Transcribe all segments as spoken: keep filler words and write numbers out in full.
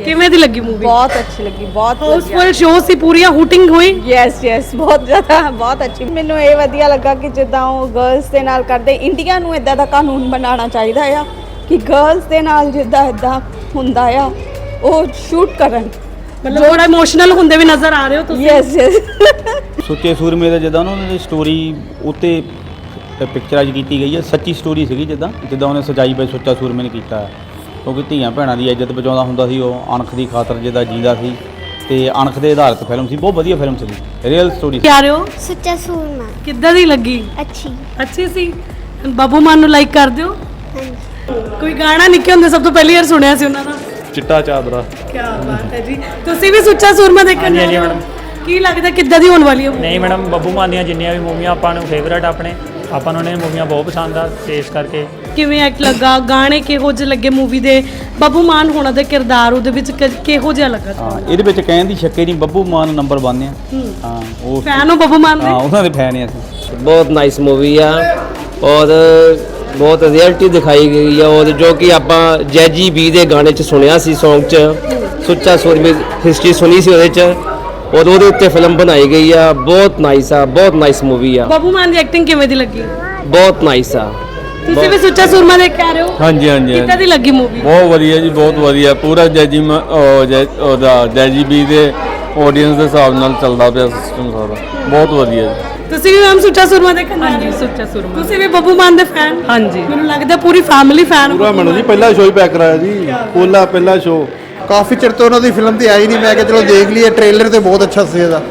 ਕਿਵੇਂ ਦੀ ਲੱਗੀ ਮੂਵੀ? बहुत अच्छी लगी, बहुत ਹਾਊਸਫੁਲ ਸ਼ੋ ਸੀ, ਪੂਰੀਆਂ ਹੂਟਿੰਗ ਹੋਈ। यस यस बहुत ज़्यादा बहुत अच्छी। ਮੈਨੂੰ ਇਹ ਵਧੀਆ ਲੱਗਾ ਕਿ ਜਿੱਦਾਂ ਉਹ ਗਰਲਸ ਦੇ ਨਾਲ ਕਰਦੇ, ਇੰਡੀਆ ਨੂੰ ਇਦਾਂ ਦਾ ਕਾਨੂੰਨ ਬਣਾਉਣਾ ਚਾਹੀਦਾ ਆ ਕਿ ਗਰਲਸ ਦੇ ਨਾਲ ਜਿੱਦਾਂ ਇਦਾਂ ਹੁੰਦਾ ਆ ਉਹ ਸ਼ੂਟ ਕਰਨ। ਮਤਲਬ ਥੋੜਾ ਇਮੋਸ਼ਨਲ ਹੁੰਦੇ ਵੀ ਨਜ਼ਰ ਆ ਰਹੇ ਹੋ ਤੁਸੀਂ। ਯਸ ਯਸ ਸੁੱਚੇ ਸੂਰਮੇ ਦਾ ਜਿੱਦਾਂ ਉਹਨਾਂ ਦੀ ਸਟੋਰੀ ਉੱਤੇ ਪਿਕਚਰਾਈਜ਼ ਕੀਤੀ ਗਈ ਹੈ, ਸੱਚੀ ਸਟੋਰੀ ਸੀਗੀ ਜਿੱਦਾਂ ਜਿੱਦਾਂ ਉਹਨੇ ਸਜਾਈ ਬਾਈ ਸੁੱਚਾ ਸੂਰਮੇ ਨੇ ਕੀਤਾ ਹੈ। ਕਿਉਂਕਿ ਧੀਆਂ ਭੈਣਾਂ ਦੀ ਇੱਜ਼ਤ ਬਚਾਉਂਦਾ ਹੁੰਦਾ ਸੀ, ਉਹ ਅਣਖ ਦੀ ਖਾਤਰ ਜਿੱਦਾਂ ਜੀਂਦਾ ਸੀ ਤੇ ਅਣਖ ਦੇ ਆਧਾਰਿਤ ਫਿਲਮ ਸੀ। ਬਹੁਤ ਵਧੀਆ ਫਿਲਮ ਸੀ, ਰੀਅਲ ਸਟੋਰੀ। ਕੀ ਆ ਰਹੇ ਹੋ? ਸੁੱਚਾ ਸੂਰਮਾ ਕਿੱਦਾਂ ਦੀ ਲੱਗੀ? ਅੱਛੀ। ਅੱਛੀ ਸੀ। ਬੱਬੂ ਮਾਨ ਨੂੰ ਲਾਈਕ ਕਰਦੇ ਹੋ? ਹਾਂਜੀ। ਕੋਈ ਗਾਣਾ ਨਿੱਕੇ ਹੁੰਦੇ ਸਭ ਤੋਂ ਪਹਿਲੀ ਵਾਰ ਸੁਣਿਆ ਸੀ ਉਹਨਾਂ ਦਾ? ਚਿੱਟਾ ਚਾਦਰਾ। ਕੀ ਬਾਤ ਹੈ ਜੀ। ਤੁਸੀਂ ਵੀ ਸੁੱਚਾ ਸੂਰਮਾ ਦੇਖਣ ਜਾ ਰਹੇ ਹੋ? ਕੀ ਲੱਗਦਾ ਕਿੱਦਾਂ ਦੀ ਹੋਣ ਵਾਲੀ ਹੈ? ਨਹੀਂ ਮੈਡਮ, ਬੱਬੂ ਮਾਨ ਦੀਆਂ ਜਿੰਨੀਆਂ ਵੀ ਮੂਵੀਆਂ ਆਪਾਂ ਨੂੰ ਫੇਵਰੇਟ ਆਪਣੇ ਆਪਾਂ ਨੂੰ ਨੇ ਮੂਵੀਆਂ ਬਹੁਤ ਪਸੰਦ ਆ ਤੇ ਇਸ ਕਰਕੇ। ਕਿਵੇਂ ਐਕਟ ਲੱਗਾ, ਗਾਣੇ ਕਿਹੋ ਜਿਹੇ ਲੱਗੇ ਮੂਵੀ ਦੇ, ਬੱਬੂ ਮਾਨ ਹੋਣਾ ਦਾ ਕਿਰਦਾਰ ਉਹਦੇ ਵਿੱਚ ਕ- ਕਿਹੋ ਜਿਹਾ ਲੱਗਾ? ਹਾਂ, ਇਹਦੇ ਵਿੱਚ ਕਹਿਣ ਦੀ ਸ਼ੱਕੇ ਨਹੀਂ, ਬੱਬੂ ਮਾਨ ਨੰਬਰ ਵਨ ਆ। ਹਾਂ, ਉਹ ਫੈਨ ਹੋ ਬੱਬੂ ਮਾਨ ਦੇ? ਹਾਂ, ਉਹਨਾਂ ਦੇ ਫੈਨ ਆ ਅਸੀਂ। ਬਹੁਤ ਨਾਈਸ ਮੂਵੀ ਆ ਔਰ ਬਹੁਤ ਰਿਐਲਿਟੀ ਦਿਖਾਈ ਗਈ ਆ ਔਰ ਜੋ ਕਿ ਆਪਾਂ ਜੈਜੀ ਬੀ ਦੇ ਗਾਣੇ 'ਚ ਸੁਣਿਆ ਸੀ, ਸੌਂਗ 'ਚ ਸੁੱਚਾ ਸੂਰਮੇ ਹਿਸਟਰੀ ਸੁਣੀ ਸੀ ਉਹਦੇ 'ਚ ਔਰ ਉਹਦੇ ਉੱਤੇ ਫਿਲਮ ਬਣਾਈ ਗਈ ਆ। ਬਹੁਤ ਨਾਈਸ ਆ, ਬਹੁਤ ਨਾਈਸ ਮੂਵੀ ਆ। ਬੱਬੂ ਮਾਨ ਦੀ ਐਕਟਿੰਗ ਕਿਵੇਂ ਦੀ ਲੱਗੀ? ਬਹੁਤ ਨਾਈਸ ਆ। ਤੁਸੀਂ ਵੀ ਸੁੱਚਾ ਸੂਰਮਾ ਦੇਖ ਕੇ ਆ ਰਹੇ ਹੋ? ਹਾਂਜੀ ਹਾਂਜੀ ਕਿੱਦਾਂ ਦੀ ਲੱਗੀ ਮੂਵੀ? ਬਹੁਤ ਵਧੀਆ ਜੀ, ਬਹੁਤ ਵਧੀਆ। ਪੂਰਾ ਜੈਜੀ ਮ- ਉਹ ਜੈ- ਉਹਦਾ ਜੈਜੀ ਬੀ ਦੇ ਆਡੀਅנס ਦੇ ਹਿਸਾਬ ਨਾਲ ਚੱਲਦਾ ਪਿਆ ਸਿਸਟਮ ਸਾਰਾ। ਬਹੁਤ ਵਧੀਆ ਜੀ। ਤੁਸੀਂ ਵੀ ਮੈਮ ਸੁੱਚਾ ਸੂਰਮਾ ਦੇਖਣ ਆ ਰਹੇ ਹੋ? ਸੁੱਚਾ ਸੂਰਮਾ। ਤੁਸੀਂ ਵੀ ਬੱਬੂ ਮਾਨ ਦੇ ਫੈਨ? ਹਾਂਜੀ। ਮੈਨੂੰ ਲੱਗਦਾ ਪੂਰੀ ਫੈਮਿਲੀ ਫੈਨ। ਪੂਰਾ ਮੈਨੂੰ ਜੀ ਪਹਿਲਾ ਸ਼ੋਅ ਹੀ ਪੈਕ ਕਰਾਇਆ ਜੀ, ਪੋਲਾ ਪਹਿਲਾ ਸ਼ੋਅ। ਕਾਫੀ ਚਿਰ ਤੋਂ ਉਹਨਾਂ ਦੀ ਫਿਲਮ ਤੇ ਆਈ ਨਹੀਂ, ਮੈਂ ਕਿਹਾ ਚਲੋ ਦੇਖ ਲਈਏ। ਟ੍ਰੇਲਰ ਤੇ ਬਹੁਤ ਅੱਛਾ ਸੀ ਇਹਦਾ,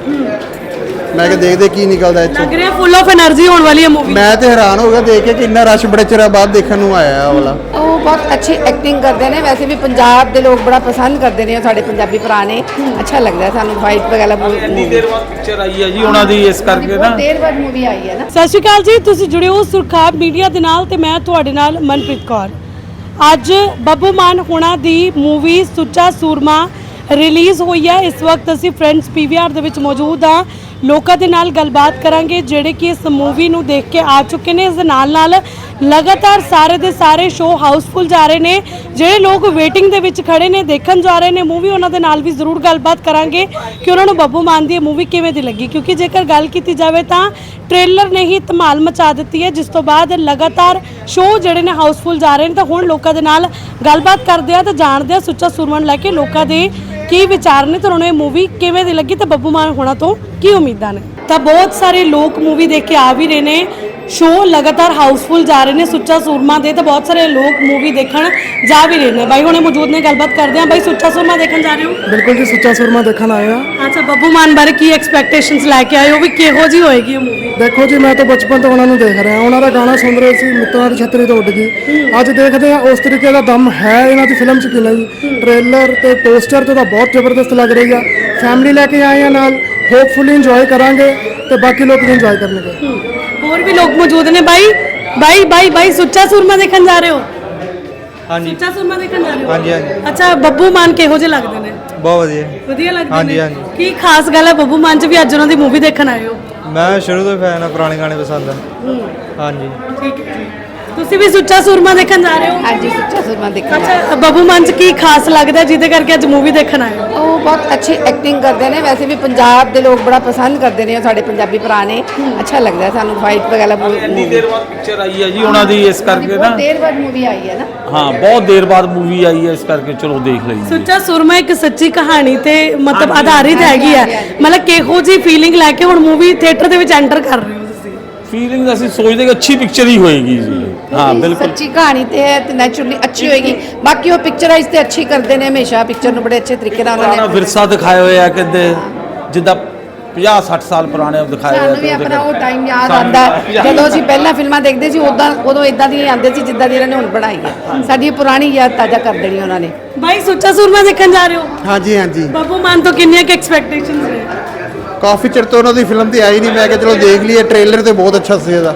ਮੈਂ ਕਿਹਾ ਦੇਖਦੇ ਕੀ ਨਿਕਲਦਾ ਇੱਥੋਂ। ਲੱਗ ਰਿਹਾ ਫੁੱਲ ਆਫ એનર્ਜੀ ਹੋਣ ਵਾਲੀ ਹੈ ਮੂਵੀ। ਮੈਂ ਤੇ ਹੈਰਾਨ ਹੋ ਗਿਆ ਦੇਖ ਕੇ ਕਿ ਇੰਨਾ ਰਸ਼ ਬੜੇ ਚਿਰਾਂ ਬਾਅਦ ਦੇਖਣ ਨੂੰ ਆਇਆ ਆ ਵਾਲਾ। ਉਹ ਬਹੁਤ ਅੱਛੀ ਐਕਟਿੰਗ ਕਰਦੇ ਨੇ। ਵੈਸੇ ਵੀ ਪੰਜਾਬ ਦੇ ਲੋਕ ਬੜਾ ਪਸੰਦ ਕਰਦੇ ਨੇ, ਸਾਡੇ ਪੰਜਾਬੀ ਭਰਾ ਨੇ। ਅੱਛਾ ਲੱਗਦਾ ਸਾਨੂੰ ਫਾਈਟ ਵਗੈਰਾ। ਇੰਨੀ ਦੇਰ ਬਾਅਦ ਪਿਕਚਰ ਆਈ ਹੈ ਜੀ ਉਹਨਾਂ ਦੀ, ਇਸ ਕਰਕੇ ਨਾ ਬਹੁਤ ਦੇਰ ਬਾਅਦ ਮੂਵੀ ਆਈ ਹੈ ਨਾ। ਸਤਿ ਸ਼੍ਰੀ ਅਕਾਲ ਜੀ, ਤੁਸੀਂ ਜੁੜੇ ਹੋ ਸੁਰਖਾਬ ਮੀਡੀਆ ਦੇ ਨਾਲ ਤੇ ਮੈਂ ਤੁਹਾਡੇ ਨਾਲ ਮਨਪ੍ਰੀਤ ਕੌਰ। ਅੱਜ ਬੱਬੂ ਮਾਨ ਹੋਣਾ ਦੀ ਮੂਵੀ ਸੁੱਚਾ ਸੂਰਮਾ ਰਿਲੀਜ਼ ਹੋਈ ਹੈ। ਇਸ ਵਕਤ ਅਸੀਂ ਫਰੈਂਡਸ ਪੀਵੀਆਰ ਦੇ ਵਿੱਚ ਮੌਜੂਦ ਹਾਂ। ਲੋਕਾਂ ਦੇ ਨਾਲ ਗੱਲਬਾਤ ਕਰਾਂਗੇ ਜਿਹੜੇ ਕਿ ਇਸ ਮੂਵੀ ਨੂੰ ਦੇਖ ਕੇ ਆ ਚੁੱਕੇ ਨੇ। ਇਸ ਦੇ ਨਾਲ ਨਾਲ ਲਗਾਤਾਰ ਸਾਰੇ ਦੇ ਸਾਰੇ ਸ਼ੋਅ ਹਾਊਸਫੁੱਲ ਜਾ ਰਹੇ ਨੇ। ਜਿਹੜੇ ਲੋਕ ਵੇਟਿੰਗ ਦੇ ਵਿੱਚ ਖੜੇ ਨੇ, ਦੇਖਣ ਜਾ ਰਹੇ ਨੇ ਮੂਵੀ, ਉਹਨਾਂ ਦੇ ਨਾਲ ਵੀ ਜ਼ਰੂਰ ਗੱਲਬਾਤ ਕਰਾਂਗੇ ਕਿ ਉਹਨਾਂ ਨੂੰ ਬੱਬੂ ਮਾਨ ਦੀ ਇਹ ਮੂਵੀ ਕਿਵੇਂ ਦੀ ਲੱਗੀ। ਕਿਉਂਕਿ ਜੇਕਰ ਗੱਲ ਕੀਤੀ ਜਾਵੇ ਤਾਂ ਟ੍ਰੇਲਰ ਨੇ ਹੀ ਧਮਾਲ ਮਚਾ ਦਿੱਤੀ ਹੈ, ਜਿਸ ਤੋਂ ਬਾਅਦ ਲਗਾਤਾਰ ਸ਼ੋਅ ਜਿਹੜੇ ਨੇ ਹਾਊਸਫੁੱਲ ਜਾ ਰਹੇ ਨੇ। ਤਾਂ ਹੁਣ ਲੋਕਾਂ ਦੇ ਨਾਲ ਗੱਲਬਾਤ ਕਰਦੇ ਆ ਤੇ ਜਾਣਦੇ ਆ ਸੁੱਚਾ ਸੂਰਮਾ ਨੂੰ ਲੈ ਕੇ ਲੋਕਾਂ ਦੇ ਕੀ ਵਿਚਾਰ ਨੇ ਤੇ ਉਹਨਾਂ ਨੂੰ ਇਹ ਮੂਵੀ ਕਿਵੇਂ ਦੀ ਲੱਗੀ ਤੇ ਬੱਬੂ ਮਾਨ ਹੋਣਾ ਤੋਂ ਕੀ ਉਮੀਦਾਂ ਨੇ। ਤਾਂ ਬਹੁਤ ਸਾਰੇ ਲੋਕ ਮੂਵੀ ਦੇਖ ਕੇ ਆ ਵੀ ਰਹੇ ਨੇ, ਸ਼ੋਅ ਲਗਾਤਾਰ ਹਾਊਸਫੁੱਲ ਜਾ ਰਹੇ ਨੇ ਸੁੱਚਾ ਸੂਰਮਾ ਦੇ, ਤਾਂ ਬਹੁਤ ਸਾਰੇ ਲੋਕ ਮੂਵੀ ਦੇਖਣ ਜਾ ਵੀ ਰਹੇ ਨੇ। ਬਾਈ ਹੁਣੇ ਮੌਜੂਦ ਨੇ, ਗੱਲਬਾਤ ਕਰਦੇ ਆ। ਬਾਈ ਸੁੱਚਾ ਸੂਰਮਾ ਦੇਖਣ ਜਾ ਰਹੇ ਹੋ? ਬਿਲਕੁਲ ਜੀ, ਸੁੱਚਾ ਸੂਰਮਾ ਦੇਖਣ ਆਏ ਆ। ਅੱਛਾ, ਬੱਬੂ ਮਾਨ ਬਾਰੇ ਕੀ ਐਕਸਪੈਕਟੇਸ਼ਨਸ ਲੈ ਕੇ ਆਏ ਹੋ ਵੀ ਕਿਹੋ ਜੀ ਹੋਏਗੀ ਇਹ ਮੂਵੀ? ਦੇਖੋ ਜੀ, ਮੈਂ ਤਾਂ ਬਚਪਨ ਤੋਂ ਉਹਨਾਂ ਨੂੰ ਦੇਖ ਰਿਹਾ, ਉਹਨਾਂ ਦਾ ਗਾਣਾ ਸੁਣ ਰਹੇ ਸੀ, ਮਿੱਤਰਾਂ ਦੀ ਛਤਰੀ ਤੋਂ ਉੱਡ ਗਈ। ਅੱਜ ਦੇਖਦੇ ਆ ਉਸ ਤਰੀਕੇ ਦਾ ਦਮ ਹੈ ਇਹਨਾਂ ਦੀ ਫਿਲਮ 'ਚ ਕਿ ਨਹੀਂ। ਟ੍ਰੇਲਰ ਤੇ ਪੋਸਟਰ ਤੇ ਤਾਂ ਬਹੁਤ ਜ਼ਬਰਦਸਤ ਲੱਗ ਰਹੀ ਆ। ਫੈਮਿਲੀ ਲੈ ਕੇ ਆਏ ਆ ਨਾਲ, ਹੋਪਫੁਲੀ ਇੰਜੋਏ ਕਰਾਂਗੇ ਤੇ ਬਾਕੀ ਲੋਕ ਵੀ ਇੰਜੋਏ ਕਰਨਗੇ। ਹੋਰ ਵੀ ਲੋਕ ਮੌਜੂਦ ਨੇ। ਬਾਈ ਬਾਈ ਬਾਈ ਬਾਈ ਸੁੱਚਾ ਸੂਰਮਾ ਦੇਖਣ ਜਾ ਰਹੇ ਹੋ? ਹਾਂਜੀ। ਸੁੱਚਾ ਸੂਰਮਾ ਦੇਖਣ ਜਾ ਰਹੇ ਹੋ? ਹਾਂਜੀ ਹਾਂਜੀ। ਅੱਛਾ, ਬੱਬੂ ਮਾਨ ਕਿਹੋ ਜਿਹੇ ਲੱਗਦੇ ਨੇ? ਬਹੁਤ ਵਧੀਆ। ਵਧੀਆ ਲੱਗਦੇ ਨੇ? ਹਾਂਜੀ ਹਾਂਜੀ। ਕੀ ਖਾਸ ਗੱਲ ਹੈ ਬੱਬੂ ਮਾਨ 'ਚ ਵੀ ਅੱਜ ਉਹਨਾਂ ਦੀ ਮੂਵੀ ਦੇਖਣ ਆਏ ਹੋ? ਮੈਂ ਸ਼ੁਰੂ ਤੋਂ ਫੈਨ ਆ, ਪੁਰਾਣੇ ਗਾਣੇ ਪਸੰਦ ਆ। ਹਾਂਜੀ। ਠੀਕ ਹੈ ਜੀ। ਤੁਸੀਂ ਵੀ ਸੁੱਚਾ ਸੂਰਮਾ ਦੇਖਣ ਜਾ ਰਹੇ ਹੋ? ਹਾਂਜੀ, ਸੁੱਚਾ ਸੂਰਮਾ ਦੇਖਣ। ਅੱਛਾ, ਬੱਬੂ ਮਾਨ 'ਚ ਕੀ ਖਾਸ ਲੱਗਦਾ ਜਿਹਦੇ ਕਰਕੇ ਅੱਜ ਮੂਵੀ ਦੇਖਣ ਆਏ ਹੋ? ਉਹ ਬਹੁਤ ਅੱਛੀ ਐਕਟਿੰਗ ਕਰਦੇ ਨੇ। ਵੈਸੇ ਵੀ ਪੰਜਾਬ ਦੇ ਲੋਕ ਬੜਾ ਪਸੰਦ ਕਰਦੇ ਨੇ, ਸਾਡੇ ਪੰਜਾਬੀ ਭਰਾ ਨੇ। ਅੱਛਾ ਲੱਗਦਾ ਸਾਨੂੰ ਫਾਈਟ ਵਗੈਰਾ। ਇੰਨੀ ਦੇਰ ਬਾਅਦ ਪਿਕਚਰ ਆਈ ਹੈ ਜੀ ਉਹਨਾਂ ਦੀ, ਇਸ ਕਰਕੇ ਨਾ। ਬਹੁਤ ਦੇਰ ਬਾਅਦ ਮੂਵੀ ਆਈ ਹੈ ਨਾ। ਹਾਂ, ਬਹੁਤ ਦੇਰ ਬਾਅਦ ਮੂਵੀ ਆਈ ਹੈ, ਇਸ ਕਰਕੇ ਚਲੋ ਦੇਖ ਲਈ। ਸੁੱਚਾ ਸੂਰਮਾ ਇੱਕ ਸੱਚੀ ਕਹਾਣੀ ਤੇ ਮਤਲਬ ਆਧਾਰਿਤ ਹੈਗੀ ਹੈ। ਮਤਲਬ ਕਿਹੋ ਜੀ ਫੀਲਿੰਗ ਲੈ ਕੇ ਹੁਣ ਮੂਵੀ ਥੀਏਟਰ ਦੇ ਵਿੱਚ ਐਂਟਰ ਕਰ ਰਹੇ ਹੋ ਤੁਸੀਂ? ਫੀਲਿੰਗ ਅਸੀਂ ਸੋਚਦੇ ਕਿ ਅੱਛੀ ਪਿਕਚਰ ਹੀ ਹੋਏਗੀ ਜੀ। ਹਾਂ ਬਿਲਕੁਲ, ਸੱਚੀ ਕਹਾਣੀ ਤੇ ਹੈ ਤੇ ਨੈਚੁਰਲੀ ਅੱਛੀ ਹੋਏਗੀ। ਬਾਕੀ ਉਹ ਪਿਕਚਰਾਈਜ਼ ਤੇ ਅੱਛੀ ਕਰਦੇ ਨੇ ਹਮੇਸ਼ਾ, ਪਿਕਚਰ ਨੂੰ ਬੜੇ ਅੱਛੇ ਤਰੀਕੇ ਨਾਲ ਪੁਰਾਣਾ ਉਹਨਾਂ ਨੇ। ਵਿਰਸਾ ਦਿਖਾਏ ਹੋਏ ਆ, ਕਹਿੰਦੇ ਜਿੱਦਾਂ ਪੰਜਾਹ ਸੱਠ ਸਾਲ ਪੁਰਾਣੇ ਦਿਖਾਏ ਹੋਏ ਆ। ਸਾਨੂੰ ਵੀ ਤੇ ਉਹਦੇ ਆਪਣਾ ਉਹ ਟਾਈਮ ਯਾਦ ਸਾਨੂੰ ਆਉਂਦਾ ਜਦੋਂ ਅਸੀਂ ਪਹਿਲਾਂ ਫਿਲਮਾਂ ਦੇਖਦੇ ਸੀ, ਉਦਾਂ ਉਦੋਂ ਇਦਾਂ ਦੀਆਂ ਆਉਂਦੇ ਸੀ ਜਿੱਦਾਂ ਦੀ ਇਹਨਾਂ ਨੇ ਹੁਣ ਬਣਾਈ ਹੈ। ਸਾਡੀ ਪੁਰਾਣੀ ਯਾਦ ਤਾਜ਼ਾ ਕਰ ਦੇਣੀ ਉਹਨਾਂ ਨੇ। ਬਾਈ ਸੁੱਚਾ ਸੂਰਮਾ ਦੇਖਣ ਜਾ ਰਹੇ ਹੋ? ਹਾਂਜੀ ਹਾਂਜੀ। ਬੱਬੂ ਮਾਨ ਤੋਂ ਕਿੰਨੀਆਂ ਕਿ ਐਕਸਪੈਕਟੇਸ਼ਨਸ ਨੇ? ਕਾਫੀ ਚਿਰ ਤੋਂ ਉਹਨਾਂ ਦੀ ਫਿਲਮ ਤੇ ਆਈ ਨਹੀਂ, ਮੈਂ ਕਿਹਾ ਚਲੋ ਦੇਖ ਲਈਏ। ਟ੍ਰੇਲਰ ਤੇ ਬਹੁਤ ਅੱਛਾ ਸੀ ਇਹਦਾ,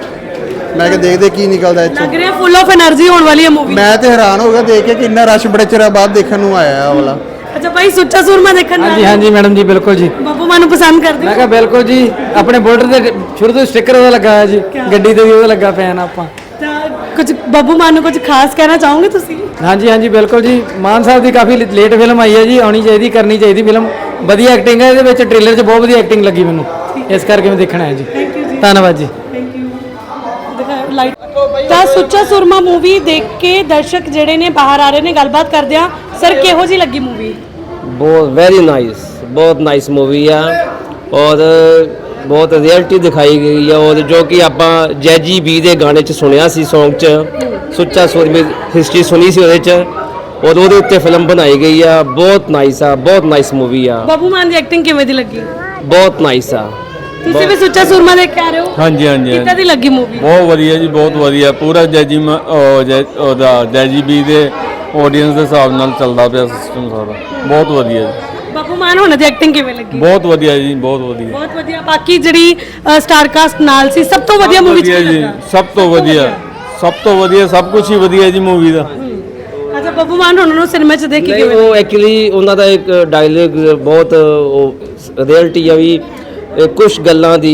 ਮੈਂ ਕਿਹਾ ਦੇਖਦੇ ਕੀ ਨਿਕਲਦਾ ਇੱਥੋਂ। ਲੱਗ ਰਿਹਾ ਫੁੱਲ ਆਫ એનર્ਜੀ ਹੋਣ ਵਾਲੀ ਹੈ ਮੂਵੀ। ਮੈਂ ਤੇ ਹੈਰਾਨ ਹੋ ਗਿਆ ਦੇਖ ਕੇ ਕਿ ਇੰਨਾ ਰਸ਼ ਬੜੇ ਚਿਰਾਂ ਬਾਅਦ ਦੇਖਣ ਨੂੰ ਆਇਆ ਆ ਵਾਲਾ। ਅੱਛਾ ਬਾਈ, ਸੁੱਚਾ ਸੂਰਮਾ ਦੇਖਣ ਜਾ ਹਾਂਜੀ ਰਹੇ ਹੋ? ਹਾਂਜੀ ਮੈਡਮ ਜੀ, ਬਿਲਕੁਲ ਜੀ। ਬੱਬੂ ਮਾਨ ਨੂੰ ਪਸੰਦ ਕਰਦੇ ਮੈਂ ਹੋ? ਕਿਹਾ ਬਿਲਕੁਲ ਜੀ, ਆਪਣੇ ਬਾਰਡਰ ਤੇ ਸ਼ੁਰੂ ਤੋਂ ਸਟicker ਉਹਦਾ ਲੱਗਾ ਹੋਇਆ ਜੀ, ਗੱਡੀ ਤੇ ਵੀ ਉਹਦਾ ਲੱਗਾ ਫੈਨ ਆਪਾਂ। ਤਾਂ ਕੁਝ ਬੱਬੂ ਮਾਨ ਨੂੰ ਕੁਝ ਖਾਸ ਕਹਿਣਾ ਚਾਹੋਗੇ ਤੁਸੀਂ? ਹਾਂਜੀ ਹਾਂਜੀ ਬਿਲਕੁਲ ਜੀ, ਮਾਨ ਸਾਹਿਬ ਦੀ ਕਾਫੀ ਲੇਟ ਫਿਲਮ ਆਈ ਹੈ ਜੀ, ਆਉਣੀ ਚਾਹੀਦੀ, ਕਰਨੀ ਚਾਹੀਦੀ ਫਿਲਮ, ਵਧੀਆ ਐਕਟਿੰਗ ਹੈ ਇਹਦੇ ਵਿੱਚ, ਟ੍ਰੇਲਰ 'ਚ ਬਹੁਤ ਵਧੀਆ ਐਕਟਿੰਗ ਲੱਗੀ ਮੈਨੂੰ, ਇਸ ਕਰਕੇ ਮੈਂ ਦੇਖਣਾ ਹੈ ਜੀ। ਧੰਨਵਾਦ ਜੀ। Thank you. ਲਾਈਟ ਤਾਂ ਸੁੱਚਾ ਸੂਰਮਾ ਮੂਵੀ ਦੇਖ ਕੇ ਦਰਸ਼ਕ ਜਿਹੜੇ ਨੇ ਬਾਹਰ ਆ ਰਹੇ ਨੇ, ਗੱਲਬਾਤ ਕਰਦੇ ਆ। ਸਰ ਕਿਹੋ ਜੀ ਲੱਗੀ ਮੂਵੀ? ਬਹੁਤ ਵੈਰੀ ਨਾਈਸ, ਬਹੁਤ ਨਾਈਸ ਮੂਵੀ ਆ ਔਰ ਬਹੁਤ ਰਿਐਲਿਟੀ ਦਿਖਾਈ ਗਈ ਆ, ਔਰ ਜੋ ਕਿ ਆਪਾਂ ਜੈਜੀ ਬੀ ਦੇ ਗਾਣੇ 'ਚ ਸੁਣਿਆ ਸੀ, Song 'ਚ ਸੁੱਚਾ ਸੂਰਮੇ ਹਿਸਟਰੀ ਸੁਣੀ ਸੀ ਉਹਦੇ 'ਚ, ਔਰ ਉਹਦੇ ਉੱਤੇ ਫਿਲਮ ਬਣਾਈ ਗਈ ਆ। ਬਹੁਤ ਨਾਈਸ ਆ, ਬਹੁਤ ਨਾਈਸ ਮੂਵੀ ਆ, ਬੱਬੂ ਮਾਨ ਦੀ ਐਕਟਿੰਗ ਕਿਵੇਂ ਦੀ ਲੱਗੀ? ਬਹੁਤ ਨਾਈਸ ਆ। ਤੁਸੀਂ ਵੀ ਸੁੱਚਾ ਸੂਰਮਾ ਦੇਖ ਕੇ ਆ ਰਹੇ ਹੋ? ਹਾਂਜੀ ਹਾਂਜੀ ਕਿੱਦਾਂ ਦੀ ਲੱਗੀ ਮੂਵੀ? ਬਹੁਤ ਵਧੀਆ ਜੀ, ਬਹੁਤ ਵਧੀਆ। ਪੂਰਾ ਜੈਜੀ ਮ- ਉਹ ਜੈ- ਉਹਦਾ ਜੈਜੀ ਬੀ ਦੇ ਆਡੀਅנס ਦੇ ਹਿਸਾਬ ਨਾਲ ਚੱਲਦਾ ਪਿਆ ਸਿਸਟਮ ਸਾਰਾ, ਬਹੁਤ ਵਧੀਆ ਜੀ, ਬੱਬੂ ਮਾਨ ਹੋਣਾ ਦੀ ਐਕਟਿੰਗ ਕਿਵੇਂ ਲੱਗੀ? ਬਹੁਤ ਵਧੀਆ ਜੀ, ਬਹੁਤ ਵਧੀਆ। ਬਹੁਤ ਵਧੀਆ। ਬਾਕੀ ਜਿਹੜੀ ਸਟਾਰ ਕਾਸਟ ਨਾਲ ਸੀ, ਸਭ ਤੋਂ ਵਧੀਆ ਮੂਵੀ ਵਧੀਆ ਚ ਜੀ, ਲੱਗਾ? ਸਭ ਤੋਂ ਵਧੀਆ, ਸਭ ਤੋਂ ਵਧੀਆ, ਸਭ ਕੁਝ ਹੀ ਵਧੀਆ ਜੀ ਮੂਵੀ ਦਾ। ਅੱਛਾ, ਬੱਬੂ ਮਾਨ ਹੋਣਾ ਨੂੰ ਸਿਨੇਮਾ ਚ ਦੇਖ ਕੇ ਨਹੀਂ, ਕਿਵੇਂ ਉਹ ਐਕਚੁਅਲੀ ਉਹਨਾਂ ਦਾ ਇੱਕ ਡਾਇਲੌਗ ਬਹੁਤ ਉਹ ਰਿਐਲਿਟੀ ਆ ਵੀ, ਕੁਝ ਗੱਲਾਂ ਦੀ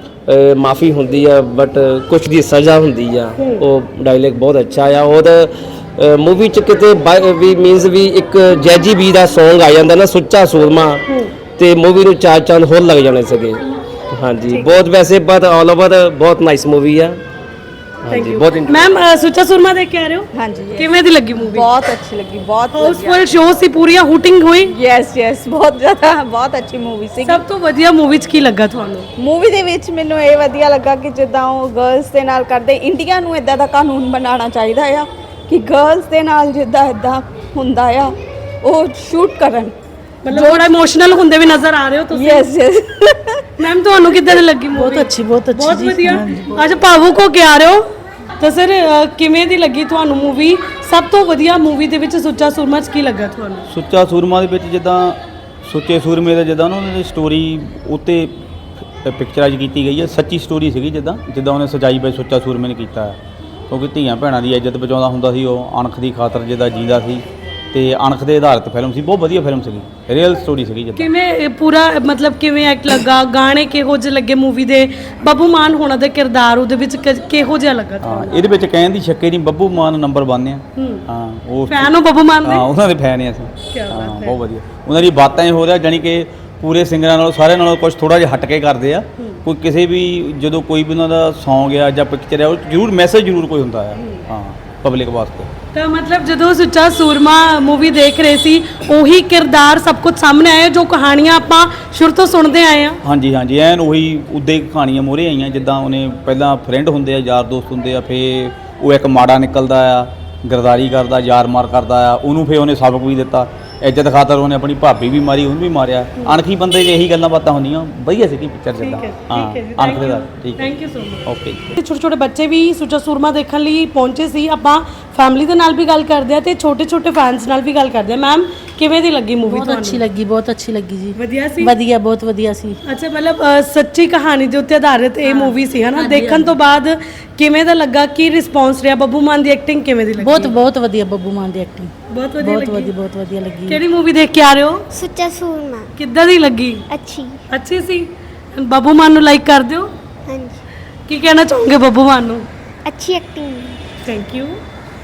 ਮਾਫੀ ਹੁੰਦੀ ਆ ਬਟ ਕੁਝ ਦੀ ਸਜ਼ਾ ਹੁੰਦੀ ਆ। ਉਹ ਡਾਇਲੌਗ ਬਹੁਤ ਅੱਛਾ ਆ। ਉਹਦਾ ਮੂਵੀ ਚ ਕਿਤੇ ਬਾਈ- ਵੀ ਮੀਨਸ ਵੀ ਇੱਕ ਜੈਜੀ ਬੀ ਦਾ Song ਆ ਜਾਂਦਾ ਨਾ, ਸੁੱਚਾ ਸੂਰਮਾ, ਤੇ ਮੂਵੀ ਨੂੰ ਚਾਰ ਚੰਦ ਹੋਰ ਲੱਗ ਜਾਣੇ ਸੀਗੇ। ਹਾਂਜੀ, ਬਹੁਤ ਵੈਸੇ ਬਟ ਆਲ ਓਵਰ ਬਹੁਤ ਨਾਈਸ ਮੂਵੀ ਆ। ਹਾਂਜੀ, ਬਹੁਤ ਇੰਟ- ਮੈਮ ਸੁੱਚਾ ਸੂਰਮਾ ਦੇਖ ਕੇ ਆ ਰਹੇ ਹੋ? ਹਾਂਜੀ ਕਿਵੇਂ ਦੀ ਲੱਗੀ ਮੂਵੀ? ਬਹੁਤ ਅੱਛੀ ਲੱਗੀ, ਬਹੁਤ ਹਾਊਸਫੁਲ ਸ਼ੋ ਸੀ, ਪੂਰੀਆਂ ਹੂਟਿੰਗ ਹੋਈ। ਯੈਸ ਯੈਸ ਬਹੁਤ ਜ਼ਿਆਦਾ, ਬਹੁਤ ਅੱਛੀ ਮੂਵੀ ਸੀ। ਸਭ ਤੋਂ ਵਧੀਆ ਮੂਵੀ ਚ ਕੀ ਲੱਗਾ ਤੁਹਾਨੂੰ? ਮੂਵੀ ਦੇ ਵਿੱਚ ਮੈਨੂੰ ਇਹ ਵਧੀਆ ਲੱਗਾ ਕਿ ਜਿੱਦਾਂ ਉਹ ਗਰਲਸ ਦੇ ਨਾਲ ਕਰਦੇ, ਇੰਡੀਆ ਨੂੰ ਇਦਾਂ ਦਾ ਕਾਨੂੰਨ ਬਣਾਉਣਾ ਚਾਹੀਦਾ ਆ ਕਿ ਗਰਲਸ ਦੇ ਨਾਲ ਜਿੱਦਾਂ ਇਦਾਂ ਹੁੰਦਾ ਆ ਉਹ ਸ਼ੂਟ ਕਰਨ। ਮਤਲਬ ਥੋੜਾ ਇਮੋਸ਼ਨਲ ਹੁੰਦੇ ਵੀ ਨਜ਼ਰ ਆ ਰਹੇ ਹੋ ਤੁਸੀਂ। ਯੈਸ ਯੈਸ ਮੈਮ ਤੁਹਾਨੂੰ ਕਿੱਦਾਂ ਦੀ ਲੱਗੀ ਮੂਵੀ? ਬਹੁਤ ਅੱਛੀ, ਬਹੁਤ ਅੱਛੀ ਬਹੁਤ ਜੀ। ਵਧੀਆ। ਹਾਂਜੀ, ਬਹੁਤ- ਅੱਜ ਭਾਵੁਕ ਹੋ ਕੇ ਆ ਰਹੇ ਹੋ ਤਾਂ ਸਰ ਕਿਵੇਂ ਦੀ ਲੱਗੀ ਤੁਹਾਨੂੰ ਮੂਵੀ? ਸਭ ਤੋਂ ਵਧੀਆ ਮੂਵੀ ਦੇ ਵਿੱਚ ਸੁੱਚਾ ਸੂਰਮਾ ਚ ਕੀ ਲੱਗਾ ਤੁਹਾਨੂੰ? ਸੁੱਚਾ ਸੂਰਮਾ ਦੇ ਵਿੱਚ ਜਿੱਦਾਂ ਸੁੱਚੇ ਸੂਰਮੇ ਦਾ ਜਿੱਦਾਂ ਉਹਨਾਂ ਦੀ ਸਟੋਰੀ ਉੱਤੇ ਪਿਕਚਰਾਈਜ਼ ਕੀਤੀ ਗਈ ਹੈ, ਸੱਚੀ ਸਟੋਰੀ ਸੀਗੀ, ਜਿੱਦਾਂ ਜਿੱਦਾਂ ਉਹਨੇ ਸਜਾਈ ਬਾਈ ਸੁੱਚਾ ਸੂਰਮੇ ਨੇ ਕੀਤਾ ਹੈ। ਕਿਉਂਕਿ ਧੀਆਂ ਭੈਣਾਂ ਦੀ ਇੱਜ਼ਤ ਬਚਾਉਂਦਾ ਹੁੰਦਾ ਸੀ, ਉਹ ਅਣਖ ਦੀ ਖਾਤਰ ਜਿੱਦਾਂ ਜੀਂਦਾ ਸੀ, ਤੇ ਅਣਖ ਦੇ ਆਧਾਰਿਤ ਫਿਲਮ ਸੀ। ਬਹੁਤ ਵਧੀਆ ਫਿਲਮ ਸੀਗੀ, ਰੀਅਲ ਸਟੋਰੀ ਸੀਗੀ। ਜਿੱਦਾਂ ਕਿਵੇਂ ਇਹ ਪੂਰਾ ਮਤਲਬ ਕਿਵੇਂ ਐਕਟ ਲੱਗਾ, ਗਾਣੇ ਕਿਹੋ ਜਿਹੇ ਲੱਗੇ ਮੂਵੀ ਦੇ, ਬੱਬੂ ਮਾਨ ਹੋਣਾ ਦਾ ਕਿਰਦਾਰ ਉਹਦੇ ਵਿੱਚ ਕਿ- ਕਿਹੋ ਜਿਹਾ ਲੱਗਾ ਹਾਂ, ਤੁਹਾਨੂੰ? ਇਹਦੇ ਵਿੱਚ ਕਹਿਣ ਦੀ ਸ਼ੱਕੇ ਨਹੀਂ, ਬੱਬੂ ਮਾਨ ਨੰਬਰ ਵਨ ਆ। ਹਾਂ, ਉਹ ਫੈਨ ਹੋ ਬੱਬੂ ਮਾਨ ਦੇ? ਹਾਂ, ਉਹਨਾਂ ਦੇ ਫੈਨ ਆ ਅਸੀਂ। ਕਿਆ ਬਾਤ ਹਾਂ, ਹੈ। ਬਹੁਤ ਵਧੀਆ। ਉਹਨਾਂ ਦੀ ਬਾਤਾਂ ਹੀ ਹੋ ਰਿਹਾ, ਜਾਣੀ ਕਿ ਪੂਰੇ ਸਿੰਗਰਾਂ ਨਾਲੋਂ ਸਾਰਿਆਂ ਨਾਲੋਂ ਕੁਝ ਥੋੜਾ ਜਿਹਾ ਹਟ ਕੇ ਕਰਦੇ ਆ। ਕੋਈ ਕਿਸੇ ਵੀ ਜਦੋਂ ਕੋਈ ਵੀ ਉਹਨਾਂ ਦਾ Song ਆ ਜਾਂ ਪਿਕਚਰ ਆ, ਉਹ ਜ਼ਰੂਰ ਮੈਸੇਜ ਜ਼ਰੂਰ ਕੋਈ ਹੁੰਦਾ ਆ, ਹਾਂ, ਪਬਲਿਕ ਵਾਸਤੇ। ਤਾਂ ਮਤਲਬ ਜਦੋਂ ਸੁੱਚਾ ਸੂਰਮਾ ਮੂਵੀ ਦੇਖ ਰਹੇ ਸੀ, ਉਹੀ ਕਿਰਦਾਰ ਸਭ ਕੁਝ ਸਾਹਮਣੇ ਆਇਆ ਜੋ ਕਹਾਣੀਆਂ ਆਪਾਂ ਸ਼ੁਰੂ ਤੋਂ ਸੁਣਦੇ ਆਏ ਆ। ਹਾਂਜੀ ਹਾਂਜੀ, ਐਨ ਉਹੀ ਉੱਦਾਂ ਹੀ ਕਹਾਣੀਆਂ ਮੋਹਰੇ ਆਈਆਂ, ਜਿੱਦਾਂ ਉਹਨੇ ਪਹਿਲਾਂ ਫਰੈਂਡ ਹੁੰਦੇ ਆ, ਯਾਰ ਦੋਸਤ ਹੁੰਦੇ ਆ, ਫੇ ਉਹ ਇੱਕ ਮਾੜਾ ਨਿਕਲਦਾ ਆ, ਗਰਦਾਰੀ ਕਰਦਾ, ਯਾਰ ਮਾਰ ਕਰਦਾ ਆ, ਉਹਨੂੰ ਫੇ ਉਹਨੇ ਸਬਕ ਵੀ ਦਿੱਤਾ। ਇੱਜ਼ਤ ਖਾਤਰ ਉਹਨੇ ਆਪਣੀ ਭਾਬੀ ਵੀ ਮਾਰੀ, ਉਹਨੂੰ ਵੀ ਮਾਰਿਆ। ਅਣਖੀ ਬੰਦੇ 'ਚ ਇਹੀ ਗੱਲਾਂ ਬਾਤਾਂ ਹੁੰਦੀਆਂ। ਵਧੀਆ ਸੀਗੀ ਪਿਕਚਰ ਜਿੱਦਾਂ। ਹਾਂ, ਅਣਖ ਦੇ ਦਾ ਠੀਕ ਹੈ। Thank you so much. Okay. ਛੋਟੇ ਛੋਟੇ ਬੱਚੇ ਵੀ ਸੁੱਚਾ ਸੂਰਮਾ ਦੇਖਣ ਲਈ ਪਹੁੰਚੇ ਸੀ। ਆਪਾਂ ਫੈਮਿਲੀ ਦੇ ਨਾਲ ਵੀ ਗੱਲ ਕਰਦੇ ਆ ਤੇ ਛੋਟੇ ਛੋਟੇ ਫੈਨਸ ਨਾਲ ਵੀ ਗੱਲ ਕਰਦੇ ਆ। ਮੈਮ ਕਿਵੇਂ ਦੀ ਲੱਗੀ ਮੂਵੀ ਬਹੁਤ ਅੱਛੀ ਲੱਗੀ, ਬਹੁਤ ਅੱਛੀ ਲੱਗੀ ਜੀ। ਵਧੀਆ ਸੀ? ਵਧੀਆ, ਬਹੁਤ ਵਧੀਆ ਸੀ। ਅੱਛਾ, ਮਤਲਬ ਅ, ਸੱਚੀ ਕਹਾਣੀ ਦੇ ਉੱਤੇ ਆਧਾਰਿਤ ਇਹ ਮੂਵੀ ਸੀ ਹਨਾ? ਦੇਖਣ ਤੋਂ ਬਾਅਦ ਕਿਵੇਂ ਦਾ ਲੱਗਾ? ਕੀ ਰਿਸਪੌਂਸ ਰਿਹਾ? ਬੱਬੂ ਮਾਨ ਦੀ ਐਕਟਿੰਗ ਕਿਵੇਂ ਦੀ ਲੱਗੀ? ਬਹੁਤ ਬਹੁਤ ਵਧੀਆ ਬੱਬੂ ਮਾਨ ਦੀ ਐਕਟਿੰਗ, ਬਹੁਤ ਵਧੀਆ ਬਹੁਤ ਲੱਗੀ। ਵਧੀਆ, ਬਹੁਤ ਵਧੀਆ ਲੱਗੀ। ਕਿਹੜੀ ਮੂਵੀ ਦੇਖ ਕੇ ਆ ਰਹੇ ਹੋ? ਸੁੱਚਾ ਸੂਰਮਾ ਕਿੱਦਾਂ ਦੀ ਲੱਗੀ? ਅੱਛੀ। ਅੱਛੀ ਸੀ। ਬੱਬੂ ਮਾਨ ਨੂੰ ਲਾਈਕ ਕਰਦੇ ਹੋ? ਹਾਂਜੀ, ਕੀ ਕਹਿਣਾ ਚਾਹੋਗੇ ਬੱਬੂ ਮਾਨ ਨੂੰ? ਅੱਛੀ ਐਕਟਿੰਗ। Thank you.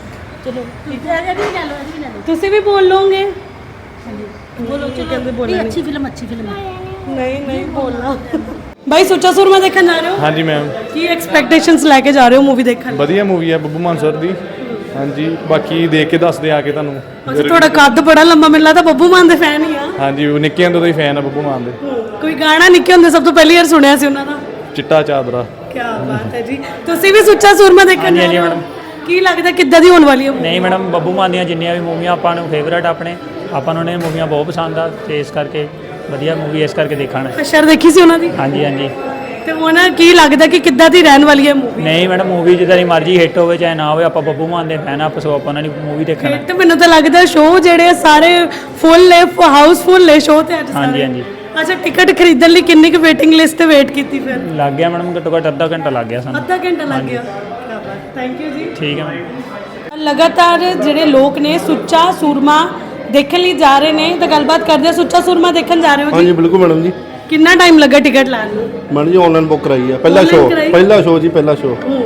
ਚਲੋ ਤੁਸੀਂ ਵੀ ਬੋਲ ਲੋਗੇ? ਬੋਲੋ, ਚਲੋ। ਅੱਛੀ ਫਿਲਮ, ਅੱਛੀ ਫਿਲਮ ਹੈ। ਨਹੀਂ ਨਹੀਂ ਬੋਲਣਾ। ਬਾਈ ਸੁੱਚਾ ਸੂਰਮਾ ਦੇਖਣ ਜਾ ਰਹੇ ਹੋ? ਹਾਂਜੀ ਮੈਮ, ਕੀ ਐਕਸਪੈਕਟੇਸ਼ਨਸ ਲੈ ਕੇ ਜਾ ਰਹੇ ਹੋ ਮੂਵੀ ਦੇਖਣ? ਵਧੀਆ ਮੂਵੀ ਹੈ ਬੱਬੂ ਮਾਨ ਸਰ ਦੀ। ਹਾਂਜੀ, ਬਾਕੀ ਦੇਖ ਕੇ ਦੱਸਦੇ ਆ ਕੇ ਤੁਹਾਨੂੰ। ਅੱਛਾ, ਤੁਹਾਡਾ ਕੱਦ ਬੜਾ ਲੰਮਾ, ਮੈਨੂੰ ਲੱਗਦਾ ਬੱਬੂ ਮਾਨ ਦੇ ਫੈਨ ਹੀ ਆ। ਹਾਂਜੀ, ਉਹ ਨਿੱਕੇ ਹੁੰਦੇ ਤੋਂ ਹੀ ਫੈਨ ਆ ਬੱਬੂ ਮਾਨ ਦੇ। ਕੋਈ ਗਾਣਾ ਨਿੱਕੇ ਹੁੰਦੇ ਸਭ ਤੋਂ ਪਹਿਲੀ ਵਾਰ ਸੁਣਿਆ ਸੀ ਉਹਨਾਂ ਦਾ? ਚਿੱਟਾ ਚਾਦਰਾ। ਕੀ ਬਾਤ ਹੈ ਜੀ। ਤੁਸੀਂ ਵੀ ਸੁੱਚਾ ਸੂਰਮਾ ਦੇਖਣ ਹਾਂਜੀ, ਜਾ ਰਹੇ ਹੋ? ਹਾਂਜੀ ਕੀ ਲੱਗਦਾ ਕਿੱਦਾਂ ਦੀ ਹੋਣ ਵਾਲੀ ਹੈ? ਨਹੀਂ ਮੈਡਮ, ਬੱਬੂ ਮਾਨ ਦੀਆਂ ਜਿੰਨੀਆਂ ਵੀ ਮੂਵੀਆਂ ਆਪਾਂ ਨੂੰ ਫੇਵਰਟ ਆਪਣੇ, ਆਪਾਂ ਨੂੰ ਨੇ ਮੂਵੀਆਂ ਬਹੁਤ ਪਸੰਦ ਆ, ਤੇ ਇਸ ਕਰਕੇ ਵਧੀਆ ਮੂਵੀ ਇਸ ਕਰਕੇ ਦੇਖਣਾ। ਅਸ਼ਰ ਦੇਖੀ ਸੀ ਉਹਨਾਂ ਦੀ? ਹਾਂਜੀ ਹਾਂਜੀ। ਤੇ ਉਹਨਾਂ ਕੀ ਲੱਗਦਾ ਕਿ ਕਿੱਦਾਂ ਦੀ ਰਹਿਣ ਵਾਲੀ ਹੈ ਮੂਵੀ? ਨਹੀਂ ਮੈਡਮ, ਮੂਵੀ ਜਿੱਦਾਂ ਦੀ ਮਰਜ਼ੀ ਹਿੱਟ ਹੋਵੇ ਚਾਹੇ ਨਾ ਹੋਵੇ, ਆਪਾਂ ਬੱਬੂ ਮਾਨ ਦੇ ਫੈਨ ਆ, ਸੋ ਆਪਾਂ ਉਹਨਾਂ ਦੀ ਮੂਵੀ ਦੇਖਣਾ। ਤੇ ਮੈਨੂੰ ਤਾਂ ਲੱਗਦਾ ਸ਼ੋਅ ਜਿਹੜੇ ਸਾਰੇ ਫੁੱਲ ਨੇ, ਹਾਊਸਫੁੱਲ ਨੇ ਸ਼ੋਅ ਤੇ ਅੱਜ ਹਾਂਜੀ ਸਾਰੇ। ਹਾਂਜੀ। ਅੱਛਾ, ਟਿਕਟ ਖਰੀਦਣ ਲਈ ਕਿੰਨੀ ਕੁ ਵੇਟਿੰਗ ਲਿਸਟ ਤੇ ਵੇਟ ਕੀਤੀ ਫਿਰ? ਲੱਗ ਗਿਆ ਮੈਡਮ, ਘੱਟੋ ਘੱਟ ਅੱਧਾ ਘੰਟਾ ਲੱਗ ਗਿਆ ਸਾਨੂੰ। ਅੱਧਾ ਘੰਟਾ ਲੱਗ ਗਿਆ। ਕੀ ਬਾਤ, ਥੈਂਕ ਯੂ ਜੀ। ਠੀਕ ਹੈ ਮੈਡਮ। ਲਗਾਤਾਰ ਜਿਹੜੇ ਲੋਕ ਨੇ ਸੁੱਚਾ ਸੂਰਮਾ ਦੇਖਣ ਲਈ ਜਾ ਰਹੇ ਨੇ, ਤਾਂ ਗੱਲਬਾਤ ਕਰਦੇ ਆ। ਸੁੱਚਾ ਸੂਰਮਾ ਦੇਖਣ ਜਾ ਰਹੇ ਹੋ ਹਾਂਜੀ ਜੀ? ਬਿਲਕੁਲ ਮੈਡਮ ਜੀ। ਕਿੰਨਾ ਟਾਈਮ ਲੱਗਾ ਟਿਕਟ ਲੈਣ ਨੂੰ? ਮੈਡਮ ਜੀ ਆਨਲਾਈਨ ਬੁੱਕ ਕਰਾਈ ਆ, ਪਹਿਲਾ Online ਸ਼ੋਅ, ਕਰਾਈ? ਪਹਿਲਾ ਸ਼ੋਅ ਜੀ, ਪਹਿਲਾ ਸ਼ੋਅ।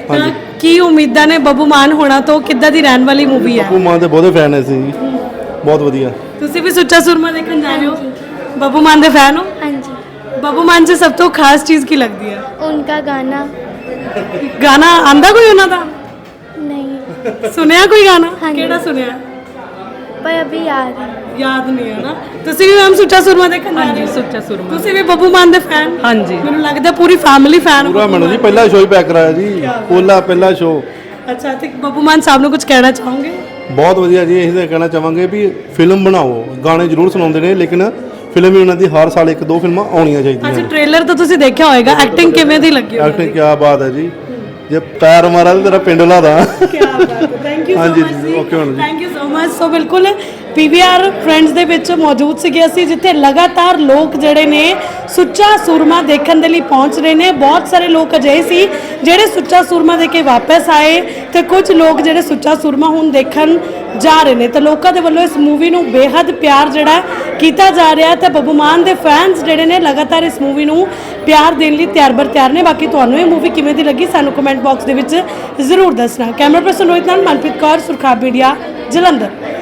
ਤਾਂ ਕੀ ਉਮੀਦਾਂ ਨੇ ਬੱਬੂ ਮਾਨ ਹੋਣਾ ਤੋਂ? ਕਿੱਦਾਂ ਦੀ ਰਹਿਣ ਵਾਲੀ ਮੂਵੀ ਹੈ? ਬੱਬੂ ਮਾਨ ਦੇ ਬਹੁਤੇ ਫੈਨ ਹੈ ਸੀ ਜੀ, ਬਹੁਤ ਵਧੀਆ। ਤੁਸੀਂ ਵੀ ਸੁੱਚਾ ਸੂਰਮਾ ਦੇਖਣ ਜਾ ਰਹੇ ਹੋ? ਬੱਬੂ ਮਾਨ ਦੇ ਫੈਨ ਹੋ? हाँ जी। ਬੱਬੂ ਮਾਨ 'ਚ ਸਭ ਤੋਂ ਖਾਸ ਚੀਜ਼ ਕੀ ਲੱਗਦੀ ਹੈ? उनका गाना ਗਾਣਾ ਆਂਦਾ ਕੋਈ ਉਹਨਾਂ ਦਾ? नहीं, ਸੁਣਿਆ ਕੋਈ ਗਾਣਾ? ਹਾਂਜੀ। ਕਿਹੜਾ ਸੁਣਿਆ? पर अभी याद है। ਯਾਦ ਨਹੀਂ ਹੈ ਨਾ। ਤੁਸੀਂ ਵੀ ਮੈਮ ਸੁੱਚਾ ਸੂਰਮਾ ਦੇਖਣ ਜਾ ਰਹੇ ਹੋ? ਸੁੱਚਾ ਸੂਰਮਾ ਤੁਸੀਂ ਵੀ ਬੱਬੂ ਮਾਨ ਦੇ ਫੈਨ? ਹਾਂਜੀ ਮੈਨੂੰ ਲੱਗਦਾ ਪੂਰੀ ਫੈਮਿਲੀ ਫੈਨ ਪੂਰਾ ਮੈਨੂੰ ਜੀ ਪਹਿਲਾ ਸ਼ੋਅ ਹੀ ਪੈਕ ਕਰਾਇਆ ਜੀ, ਪੋਲਾ ਪਹਿਲਾ ਸ਼ੋਅ। ਅੱਛਾ, ਤੇ ਬੱਬੂ ਮਾਨ ਸਾਹਿਬ ਨੂੰ ਕੁਝ ਕਹਿਣਾ ਚਾਹੋਗੇ? ਬਹੁਤ ਵਧੀਆ ਜੀ। ਅਸੀਂ ਤਾਂ ਕਹਿਣਾ ਚਾਹਾਂਗੇ ਵੀ ਫਿਲਮ ਬਣਾਓ, ਗਾਣੇ ਜ਼ਰੂਰ ਸੁਣਾਉਂਦੇ ਨੇ ਲੇਕਿਨ ਫਿਲਮ ਵੀ ਉਹਨਾਂ ਦੀ ਹਰ ਸਾਲ ਇੱਕ ਦੋ ਫਿਲਮਾਂ ਆਉਣੀਆਂ ਚਾਹੀਦੀਆਂ ਅੱਛਾ, ਨੇ। ਟ੍ਰੇਲਰ ਤਾਂ ਤੁਸੀਂ ਦੇਖਿਆ ਹੋਵੇਗਾ, ਐਕਟਿੰਗ ਕਿਵੇਂ ਦੀ ਲੱਗੀ? ਐਕਟਿੰਗ ਕੀ ਬਾਤ ਹੈ ਜੀ, ਜੇ ਪੈਰ ਮਾਰਾ ਤਾਂ ਤੇਰਾ ਪਿੰਡ ਲਾ ਦਾ। ਕੀ ਬਾਤ ਹੈ, ਥੈਂਕ ਯੂ ਸੋ ਹਾਂਜੀ ਮਚ ਜੀ, okay ਮੈਡਮ ਜੀ। Thank you so much. So ਬਿਲਕੁਲ ਪੀਵੀਆਰ ਫਰੈਂਡਸ ਦੇ ਵਿੱਚ ਮੌਜੂਦ ਸੀਗੇ ਅਸੀਂ, ਜਿੱਥੇ ਲਗਾਤਾਰ ਲੋਕ ਜਿਹੜੇ ਨੇ ਸੁੱਚਾ ਸੂਰਮਾ ਦੇਖਣ ਦੇ ਲਈ ਪਹੁੰਚ ਰਹੇ ਨੇ। ਬਹੁਤ ਸਾਰੇ ਲੋਕ ਅਜਿਹੇ ਸੀ ਜਿਹੜੇ ਸੁੱਚਾ ਸੂਰਮਾ ਦੇ ਕੇ ਵਾਪਸ ਆਏ, ਤੇ ਕੁਝ ਲੋਕ ਜਿਹੜੇ ਸੁੱਚਾ ਸੂਰਮਾ ਹੁਣ ਦੇਖਣ ਜਾ ਰਹੇ ਨੇ। ਤੇ ਲੋਕਾਂ ਦੇ ਵੱਲੋਂ ਇਸ ਮੂਵੀ ਨੂੰ ਬੇਹੱਦ ਪਿਆਰ ਜਿਹੜਾ ਕੀਤਾ ਜਾ ਰਿਹਾ, ਤੇ ਬੱਬੂ ਮਾਨ ਦੇ ਫੈਨਸ ਜਿਹੜੇ ਨੇ ਲਗਾਤਾਰ ਇਸ ਮੂਵੀ ਨੂੰ ਪਿਆਰ ਦੇਣ ਲਈ ਤਿਆਰ ਬਰ ਤਿਆਰ ਨੇ। ਬਾਕੀ ਤੁਹਾਨੂੰ ਇਹ ਮੂਵੀ ਕਿਵੇਂ ਦੀ ਲੱਗੀ ਸਾਨੂੰ ਕਮੈਂਟ ਬਾਕਸ ਦੇ ਵਿੱਚ ਜ਼ਰੂਰ ਦੱਸਣਾ। ਕੈਮਰਾ ਪਰਸਨ ਰੋਹਿਤ ਨਾਲ, ਮਨਪ੍ਰੀਤ ਕੌਰ, ਸੁਰਖਾਬ ਮੀਡੀਆ, ਜਲੰਧਰ।